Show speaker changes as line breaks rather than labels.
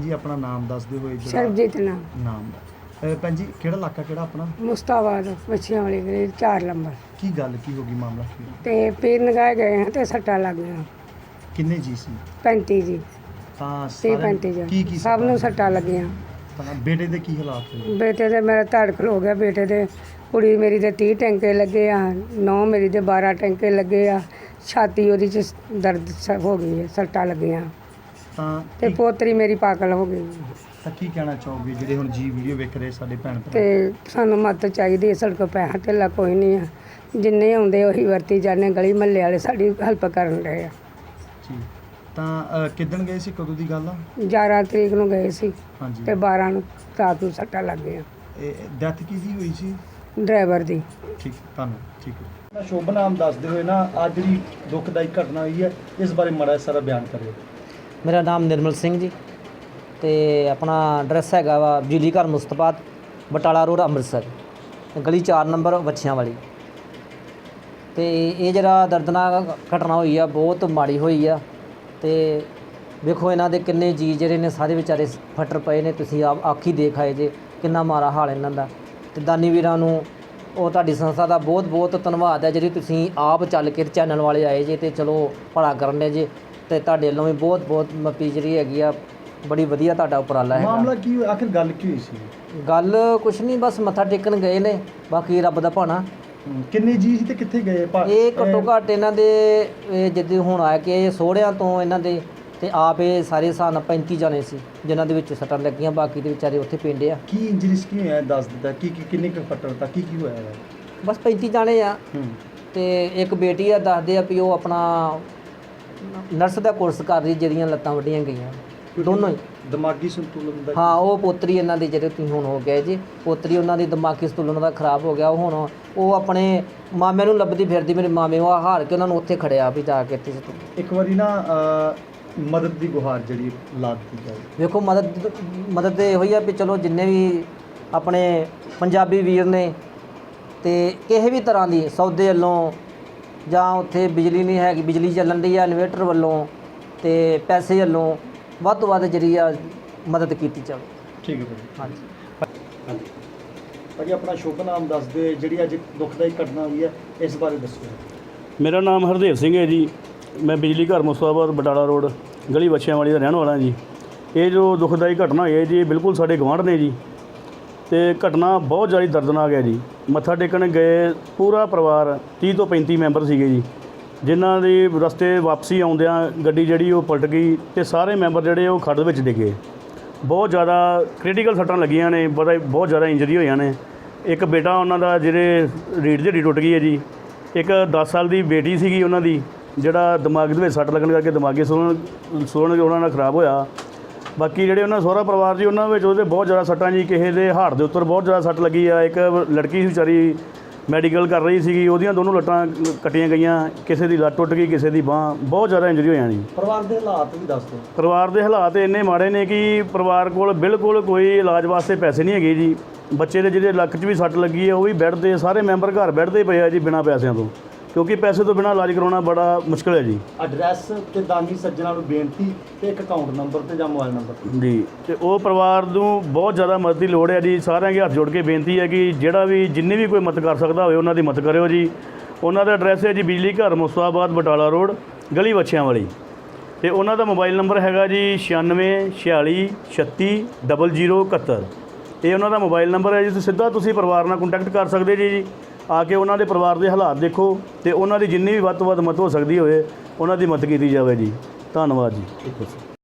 जी अपना नाम दस दे होए
ਸਰਬਜੀਤ ਨਾਮ
नाम भैन जी केड़ा इलाका केड़ा अपना
ਮੁਸਤਾਬਾਦ ਬੱਚਿਆਂ ਵਾਲੀ ਗਲੀ 4 ਨੰਬਰ
की गल की होगी मामला की
ਤੇ ਪੀਰ ਨਗਾਏ ਗਏ ਹਾਂ ਤੇ ਸੱਟਾਂ ਲੱਗ ਗਈਆਂ
किन्ने जी सी
35 ਜੀ
ਤਾਂ
30
ਸਾਰਿਆਂ
35
ਕੀ
ਜੀ ਸਭ ਨੂੰ ਸੱਟਾਂ ਲੱਗੀਆਂ
ਤਾਂ ਬੇਟੇ ਦੇ ਕੀ ਹਾਲਾਤ ਹੋਏ
ਬੇਟੇ ਦੇ ਮੇਰਾ ਧੜ ਖਲੋ ਗਿਆ ਬੇਟੇ ਦੇ ਕੁੜੀ ਮੇਰੀ ਦੇ 30 ਟੈਂਕੇ ਲੱਗੇ ਆ ਨੌ ਮੇਰੀ ਦੇ 12 ਟੈਂਕੇ ਲੱਗੇ ਆ ਛਾਤੀ ਉਹਦੀ ਚ ਦਰਦ ਹੋ ਗਈ ਹੈ ਸੱਟਾਂ ਲੱਗੀਆਂ
ਤਾਂ
ਤੇ ਪੋਤਰੀ ਮੇਰੀ ਪਾਗਲ ਹੋ ਗਈ
ਤਾਂ ਕੀ ਕਹਿਣਾ ਚਾਹੋਗੇ ਜਿਹੜੇ ਹੁਣ ਜੀ ਵੀਡੀਓ ਵੇਖ ਰਹੇ ਸਾਡੇ ਭੈਣ ਭਰਾ
ਤੇ ਸਾਨੂੰ ਮਦਦ ਚਾਹੀਦੀ ਹੈ ਸਾਡੇ ਕੋਲ ਪੈਸਾ ਧੇਲਾ ਕੋਈ ਨਹੀਂ ਆ ਜਿੰਨੇ ਆਉਂਦੇ ਉਹੀ ਵਰਤੀ ਜਾਂਦੇ ਗਲੀ ਮਹੱਲੇ ਵਾਲੇ ਸਾਡੀ ਹੈਲਪ ਕਰਨ ਰਹੇ ਆ
ਜੀ ਤਾਂ ਕਿੱਦਣ ਗਏ ਸੀ ਕਦੋਂ ਦੀ ਗੱਲ ਆ
11 ਤਰੀਕ ਨੂੰ ਗਏ ਸੀ
ਹਾਂਜੀ
ਤੇ 12 ਨੂੰ ਰਾਤ ਨੂੰ ਸੱਟਾਂ ਲੱਗ ਗਈਆਂ
ਇਹ ਡੈਥ ਕਿਹਦੀ ਹੋਈ ਸੀ
ਡਰਾਈਵਰ ਦੀ
ਠੀਕ ਤੁਹਾਨੂੰ ਠੀਕ ਹੈ ਸ਼ੁਭ ਨਾਮ ਦੱਸਦੇ ਹੋਏ ਨਾ ਅੱਜ ਜਿਹੜੀ ਦੁਖਦਾਈ ਘਟਨਾ ਹੋਈ ਹੈ ਇਸ ਬਾਰੇ ਮਾੜਾ ਸਾਰਾ ਬਿਆਨ ਕਰਿਓ
ਮੇਰਾ ਨਾਮ ਨਿਰਮਲ ਸਿੰਘ ਜੀ ਤੇ ਆਪਣਾ ਐਡਰੈਸ ਹੈਗਾ ਵਾ ਬਿਜਲੀ ਘਰ ਮੁਸਤਫਾਬਾਦ ਬਟਾਲਾ ਰੋਡ ਅੰਮ੍ਰਿਤਸਰ ਗਲੀ 4 ਨੰਬਰ ਵੱਛਿਆਂ ਵਾਲੀ। ਤੇ ਇਹ ਜਿਹੜਾ ਦਰਦਨਾਕ ਘਟਨਾ ਹੋਈ ਆ ਬਹੁਤ ਮਾੜੀ ਹੋਈ ਆ ਤੇ ਵੇਖੋ ਇਹਨਾਂ ਦੇ ਕਿੰਨੇ ਜੀ ਜਿਹੜੇ ਨੇ ਸਾਰੇ ਵਿਚਾਰੇ ਫੱਟਰ ਪਏ ਨੇ ਤੁਸੀਂ ਆਪ ਆਖੀ ਦੇਖ ਆਏ ਜੇ ਕਿੰਨਾ ਮਾੜਾ ਹਾਲ ਇਹਨਾਂ ਦਾ। ਤੇ ਦਾਨੀ ਵੀਰਾਂ ਨੂੰ ਉਹ ਤੁਹਾਡੀ ਸੰਸਥਾ ਦਾ ਬਹੁਤ ਬਹੁਤ ਧੰਨਵਾਦ ਹੈ ਜਿਹੜੀ ਤੁਸੀਂ ਆਪ ਚੱਲ ਕੇ ਚੈਨਲ ਵਾਲੇ ਆਏ ਜੇ ਤੇ ਚਲੋ ਭਲਾ ਕਰਨ ਦੇ ਜੇ ਤੇ ਤੁਹਾਡੇ ਵੱਲੋਂ ਵੀ ਬਹੁਤ ਬਹੁਤ ਮੱਪੀ ਜਿਹੜੀ ਹੈਗੀ ਆ ਬੜੀ ਵਧੀਆ ਤੁਹਾਡਾ ਉਪਰਾਲਾ ਹੈ।
ਮਾਮਲਾ ਕੀ ਹੋਇਆ ਆਖਿਰ ਗੱਲ ਕੀ ਹੋਈ ਸੀ
ਗੱਲ ਕੁਛ ਨਹੀਂ ਬਸ ਮੱਥਾ ਟੇਕਣ ਗਏ ਨੇ ਬਾਕੀ ਰੱਬ ਦਾ ਭਾਣਾ।
ਕਿੰਨੇ ਜੀ ਸੀ ਤੇ ਕਿੱਥੇ ਗਏ
ਇਹ ਘੱਟੋ ਘੱਟ ਇਹਨਾਂ ਦੇ ਜਿੱਦਾਂ ਹੁਣ ਆ ਕੇ ਸੋਹਰਿਆਂ ਤੋਂ ਇਹਨਾਂ ਦੇ ਤੇ ਆਪ ਇਹ ਸਾਰੇ ਹਿਸਾਬ ਨਾਲ 35 ਜਾਣੇ ਸੀ ਜਿਨ੍ਹਾਂ ਦੇ ਵਿੱਚ ਸੱਟਾਂ ਲੱਗੀਆਂ ਬਾਕੀ ਦੇ ਵਿਚਾਰੇ ਉੱਥੇ ਪਿੰਡੇ ਆ।
ਕੀ ਇੰਜਰੀਸ ਕੀ ਹੋਇਆ ਦੱਸ ਦਿੱਤਾ ਕੀ ਕਿੰਨੇ ਕੁ ਫੱਟੜ ਤਾਂ ਕੀ ਹੋਇਆ ਹੈ
ਬਸ 35 ਜਾਣੇ ਆ ਤੇ ਇੱਕ ਬੇਟੀ ਆ ਦੱਸਦੇ ਆ ਵੀ ਉਹ ਆਪਣਾ ਨਰਸ ਦਾ ਕੋਰਸ ਕਰ ਰਹੀ ਜਿਹਦੀਆਂ ਲੱਤਾਂ ਵੱਡੀਆਂ ਗਈਆਂ ਦੋਨੋਂ ਹੀ
ਦਿਮਾਗੀ ਸੰਤੁਲਨ ਦਾ
ਹਾਂ ਉਹ ਪੋਤਰੀ ਇਹਨਾਂ ਦੀ ਜਿਹੜੇ ਤੁਸੀਂ ਹੁਣ ਹੋ ਗਏ ਜੀ ਪੋਤਰੀ ਉਹਨਾਂ ਦੀ ਦਿਮਾਗੀ ਸੰਤੁਲਨ ਦਾ ਖਰਾਬ ਹੋ ਗਿਆ ਉਹ ਹੁਣ ਉਹ ਆਪਣੇ ਮਾਮਿਆਂ ਨੂੰ ਲੱਭਦੀ ਫਿਰਦੀ ਮੇਰੇ ਮਾਮੇ ਉਹ ਹਾਰ ਕੇ ਉਹਨਾਂ ਨੂੰ ਉੱਥੇ ਖੜਿਆ ਵੀ ਜਾ ਕੇ ਇੱਥੇ
ਇੱਕ ਵਾਰੀ ਨਾ ਮਦਦ ਦੀ ਗੁਹਾਰ ਜਿਹੜੀ ਲਾ ਦਿੱਤੀ ਜਾਵੇ।
ਵੇਖੋ ਮਦਦ ਤੇ ਇਹੋ ਹੀ ਆ ਵੀ ਚਲੋ ਜਿੰਨੇ ਵੀ ਆਪਣੇ ਪੰਜਾਬੀ ਵੀਰ ਨੇ ਤੇ ਕਿਸੇ ਵੀ ਤਰ੍ਹਾਂ ਦੀ ਸੌਦੇ ਵੱਲੋਂ ਜਾਂ ਉੱਥੇ ਬਿਜਲੀ ਨਹੀਂ ਹੈਗੀ ਬਿਜਲੀ ਚੱਲਣ ਦੀ ਆ ਇਨਵੇਟਰ ਵੱਲੋਂ ਤੇ ਪੈਸੇ ਵੱਲੋਂ ਵੱਧ ਤੋਂ ਵੱਧ ਜਿਹੜੀ ਆ ਮਦਦ ਕੀਤੀ ਜਾਵੇ।
ਠੀਕ ਹੈ ਭਾਜੀ
ਹਾਂਜੀ
ਭਾਜੀ ਆਪਣਾ ਸ਼ੁਭ ਨਾਮ ਦੱਸ ਦੇ ਜਿਹੜੀ ਅੱਜ ਦੁਖਦਾਈ ਘਟਨਾ ਹੋਈ ਹੈ ਇਸ ਬਾਰੇ ਦੱਸੋ।
ਮੇਰਾ ਨਾਮ ਹਰਦੇਵ ਸਿੰਘ ਹੈ ਜੀ ਮੈਂ ਬਿਜਲੀ ਘਰ ਮੁਸਤਫਾਬਾਦ ਬਟਾਲਾ ਰੋਡ ਗਲੀ ਵੱਛਿਆਂ ਵਾਲੀ ਦਾ ਰਹਿਣ ਵਾਲਾ ਜੀ। ਇਹ ਜੋ ਦੁਖਦਾਈ ਘਟਨਾ ਹੋਈ ਹੈ ਜੀ ਬਿਲਕੁਲ ਸਾਡੇ ਗੁਆਂਢ ਨੇ ਜੀ ਤੇ ਘਟਨਾ ਬਹੁਤ ਜ਼ਿਆਦਾ ਦਰਦਨਾਕ ਹੈ ਜੀ। ਮੱਥਾ ਟੇਕਣ ਗਏ ਪੂਰਾ ਪਰਿਵਾਰ 30 ਤੋਂ 35 ਮੈਂਬਰ ਸੀਗੇ ਜੀ ਜਿਨ੍ਹਾਂ ਦੀ ਰਸਤੇ ਵਾਪਸੀ ਆਉਂਦਿਆਂ ਗੱਡੀ ਜਿਹੜੀ ਉਹ ਪਲਟ ਗਈ ਤੇ ਸਾਰੇ ਮੈਂਬਰ ਜਿਹੜੇ ਉਹ ਖੱਡ ਵਿੱਚ ਡਿੱਗੇ। ਬਹੁਤ ਜ਼ਿਆਦਾ ਕ੍ਰਿਟੀਕਲ ਸੱਟਾਂ ਲੱਗੀਆਂ ਨੇ ਬਹੁਤ ਜ਼ਿਆਦਾ ਇੰਜਰੀ ਹੋਈਆਂ ਨੇ। ਇੱਕ ਬੇਟਾ ਉਹਨਾਂ ਦਾ ਜਿਹੜੇ ਰੀੜ੍ਹ ਦੀ ਹੱਡੀ ਟੁੱਟ ਗਈ ਹੈ ਜੀ। ਇੱਕ 10 ਸਾਲ ਦੀ ਬੇਟੀ ਸੀਗੀ ਉਹਨਾਂ ਦੀ ਜਿਹੜਾ ਦਿਮਾਗ ਦੇ ਵਿੱਚ ਸੱਟ ਲੱਗਣ ਕਰਕੇ ਦਿਮਾਗੀ ਸੁਣਨ ਉਹਨਾਂ ਨਾਲ ਖਰਾਬ ਹੋਇਆ। ਬਾਕੀ ਜਿਹੜੇ ਉਹਨਾਂ ਸਹੁਰਾ ਪਰਿਵਾਰ ਜੀ ਉਹਨਾਂ ਵਿੱਚ ਉਹਦੇ ਬਹੁਤ ਜ਼ਿਆਦਾ ਸੱਟਾਂ ਜੀ ਕਿਸੇ ਦੇ ਹਾਰਟ ਦੇ ਉੱਪਰ ਬਹੁਤ ਜ਼ਿਆਦਾ ਸੱਟ ਲੱਗੀ ਆ। ਇੱਕ ਲੜਕੀ ਸੀ ਵਿਚਾਰੀ ਮੈਡੀਕਲ ਕਰ ਰਹੀ ਸੀਗੀ ਉਹਦੀਆਂ ਦੋਨੋਂ ਲੱਟਾਂ ਕੱਟੀਆਂ ਗਈਆਂ ਕਿਸੇ ਦੀ ਲੱਤ ਟੁੱਟ ਗਈ ਕਿਸੇ ਦੀ ਬਾਂਹ ਬਹੁਤ ਜ਼ਿਆਦਾ ਇੰਜਰੀ ਹੋਈਆਂ ਜੀ।
ਪਰਿਵਾਰ ਦੇ ਹਾਲਾਤ ਵੀ ਦੱਸ ਦਿਓ।
ਪਰਿਵਾਰ ਦੇ ਹਾਲਾਤ ਇੰਨੇ ਮਾੜੇ ਨੇ ਕਿ ਪਰਿਵਾਰ ਕੋਲ ਬਿਲਕੁਲ ਕੋਈ ਇਲਾਜ ਵਾਸਤੇ ਪੈਸੇ ਨਹੀਂ ਹੈਗੇ ਜੀ। ਬੱਚੇ ਦੇ ਜਿਹਦੇ ਲੱਕ 'ਚ ਵੀ ਸੱਟ ਲੱਗੀ ਹੈ ਉਹ ਵੀ ਬੈੱਡ 'ਤੇ ਸਾਰੇ ਮੈਂਬਰ ਘਰ ਬੈੱਡ 'ਤੇ ਪਏ ਆ ਜੀ ਬਿਨਾਂ ਪੈਸਿਆਂ ਤੋਂ ਕਿਉਂਕਿ ਪੈਸੇ ਤੋਂ ਬਿਨਾਂ ਇਲਾਜ ਕਰਾਉਣਾ ਬੜਾ ਮੁਸ਼ਕਿਲ ਹੈ ਜੀ।
ਐਡਰੈਸ ਤੇ ਦਾਨੀ ਸੱਜਣਾ ਨੂੰ ਬੇਨਤੀ ਤੇ ਇੱਕ ਅਕਾਊਂਟ ਨੰਬਰ ਤੇ ਜਾਂ ਮੋਬਾਈਲ ਨੰਬਰ
ਜੀ ਤੇ ਉਹ ਪਰਿਵਾਰ ਨੂੰ ਬਹੁਤ ਜ਼ਿਆਦਾ ਮਦਦ ਦੀ ਲੋੜ ਹੈ ਜੀ। ਸਾਰਿਆਂ ਦੇ ਹੱਥ ਜੋੜ ਕੇ ਬੇਨਤੀ ਹੈ ਕਿ ਜਿਹੜਾ ਵੀ ਜਿੰਨੇ ਵੀ ਕੋਈ ਮਦਦ ਕਰ ਸਕਦਾ ਹੋਵੇ ਉਹਨਾਂ ਦੀ ਮਦਦ ਕਰਿਓ ਜੀ। ਉਹਨਾਂ ਦਾ ਐਡਰੈਸ ਹੈ ਜੀ ਬਿਜਲੀ ਘਰ ਮੁਸਤਫਾਬਾਦ ਬਟਾਲਾ ਰੋਡ ਗਲੀ ਵੱਛਿਆਂ ਵਾਲੀ ਤੇ ਉਹਨਾਂ ਦਾ ਮੋਬਾਈਲ ਨੰਬਰ ਹੈਗਾ ਜੀ 9646360071। ਇਹ ਉਹਨਾਂ ਦਾ ਮੋਬਾਈਲ ਨੰਬਰ ਹੈ ਜੀ। ਤੁਸੀਂ ਸਿੱਧਾ ਪਰਿਵਾਰ ਨਾਲ ਕੰਟੈਕਟ ਕਰ ਸਕਦੇ ਜੀ ਆ ਕੇ ਉਹਨਾਂ ਦੇ ਪਰਿਵਾਰ ਦੇ ਹਾਲਾਤ ਦੇਖੋ ਤੇ ਉਹਨਾਂ ਦੀ ਜਿੰਨੀ ਵੀ ਵੱਧ ਤੋਂ ਵੱਧ ਮਦਦ ਹੋ ਸਕਦੀ ਹੋਵੇ ਉਹਨਾਂ ਦੀ ਮਦਦ ਕੀਤੀ ਜਾਵੇ ਜੀ। ਧੰਨਵਾਦ ਜੀ।